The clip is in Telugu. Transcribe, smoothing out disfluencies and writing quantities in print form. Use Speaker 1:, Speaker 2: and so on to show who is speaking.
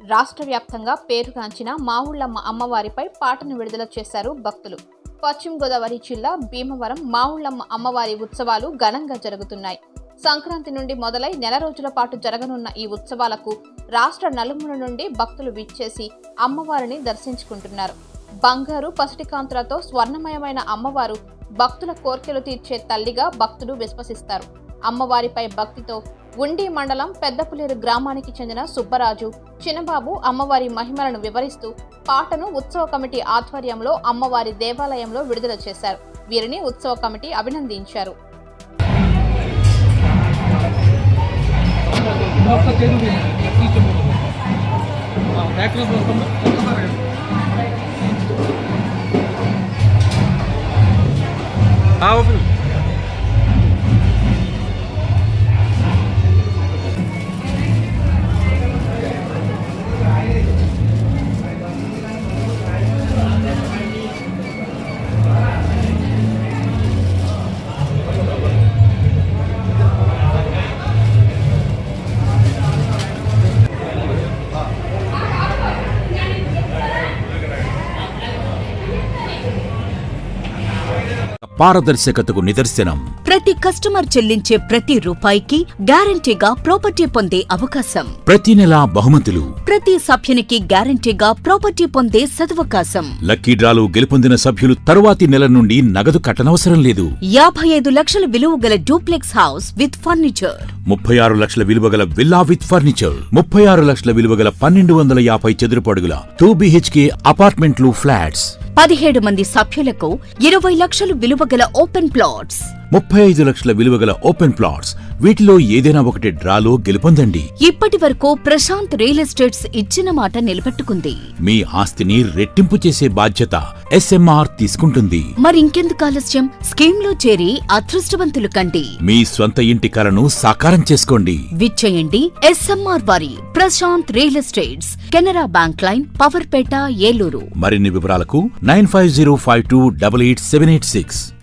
Speaker 1: రాష్ట్ర వ్యాప్తంగా పేరుగాంచిన మావుళ్లమ్మ అమ్మవారిపై పాటను విడుదల చేశారు భక్తులు. పశ్చిమ గోదావరి జిల్లా భీమవరం మావుళ్లమ్మ అమ్మవారి ఉత్సవాలు ఘనంగా జరుగుతున్నాయి. సంక్రాంతి నుండి మొదలై నెల రోజుల పాటు జరగనున్న ఈ ఉత్సవాలకు రాష్ట్ర నలుమూల నుండి భక్తులు విచ్చేసి అమ్మవారిని దర్శించుకుంటున్నారు. బంగారు పసిటి కాంతులతో స్వర్ణమయమైన అమ్మవారు భక్తుల కోర్కెలు తీర్చే తల్లిగా భక్తులు విశ్వసిస్తారు. అమ్మవారిపై భక్తితో ఉండి మండలం పెద్దపులేరు గ్రామానికి చెందిన సుబ్బరాజు, చిన్నబాబు అమ్మవారి మహిమలను వివరిస్తూ పాటను ఉత్సవ కమిటీ ఆధ్వర్యంలో అమ్మవారి దేవాలయంలో విడుదల చేశారు. వీరిని ఉత్సవ కమిటీ అభినందించారు.
Speaker 2: పారదర్శకతకు నిదర్శనం.
Speaker 3: ప్రతి కస్టమర్ చెల్లించే ప్రతి రూపాయికి గ్యారంటీగా ప్రాపర్టీ పొందే అవకాశం.
Speaker 2: ప్రతి నెలా బహుమతులు.
Speaker 3: ప్రతి సభ్యునికి గ్యారంటీగా ప్రాపర్టీ పొందే సదవకాశం.
Speaker 2: లక్కీ డ్రాలు గెలుపొందిన సభ్యులు తరువాతి నెల నుండి నగదు కట్టనవసరం లేదు.
Speaker 3: 55 లక్షల విలువ గల డూప్లెక్స్ హౌస్ విత్ ఫర్నిచర్,
Speaker 2: 36 లక్షల విలువ గల విల్లా విత్ ఫర్నిచర్, 36 లక్షల విలువ గల 1250 చదురపు అడుగుల 2 BHK అపార్ట్మెంట్లు, ఫ్లాట్స్.
Speaker 3: 17 మంది సభ్యులకు 20 లక్షలు విలువ గల ఓపెన్ ప్లాట్స్,
Speaker 2: 35 లక్షల విలువ గల ఓపెన్ ప్లాట్స్. వీటిలో ఏదైనా ఒకటి డ్రాలో గెలుపొందండి.
Speaker 3: ఇప్పటి వరకు ప్రశాంత్ రియల్ ఎస్టేట్స్ ఇచ్చిన మాట నిలబెట్టుకుంది.
Speaker 2: మీ ఆస్తిని రెట్టింపు చేసే బాధ్యత SMR తీసుకుంటుంది.
Speaker 3: మరింకెందుకు ఆలస్యం? స్కీమ్ లో చేరి అదృష్టవంతులు కండి.
Speaker 2: మీ స్వంత ఇంటి కలను సాకారం చేసుకోండి.
Speaker 3: విచ్చేయండి SMR వారి Prashanth real estates, Canara bank line, Powerpet, Eluru.
Speaker 2: మరిన్ని వివరాలకు 9505288786.